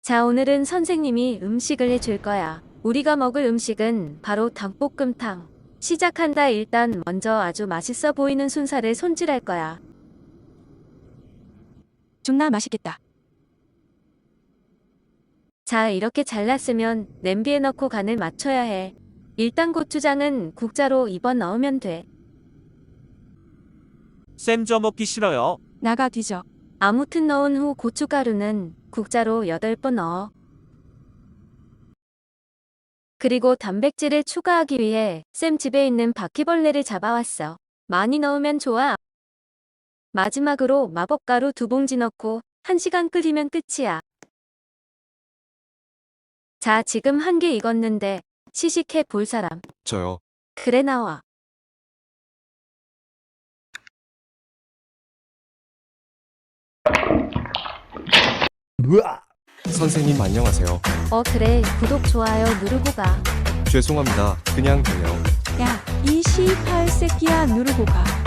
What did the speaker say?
자, 오늘은 선생님이 음식을 해줄 거야. 우리가 먹을 음식은 바로 닭볶음탕. 시작한다. 일단 먼저 아주 맛있어 보이는 순살을 손질할 거야. 존나 맛있겠다. 자, 이렇게 잘랐으면 냄비에 넣고 간을 맞춰야 해. 일단 고추장은 국자로 2번 넣으면 돼. 쌤 저 먹기 싫어요. 나가 뒤져. 아무튼 넣은 후 고춧가루는 국자로 8번 넣어. 그리고 단백질을 추가하기 위해 쌤 집에 있는 바퀴벌레를 잡아왔어. 많이 넣으면 좋아. 마지막으로 마법가루 2봉지 넣고 1시간 끓이면 끝이야. 자, 지금 한 개 익었는데 시식해 볼 사람. 저요. 그래, 나와. 선생님 안녕하세요. 그래. 구독, 좋아요 누르고 가. 죄송합니다. 그냥 돼요. 야, 이 18새끼야 누르고 가.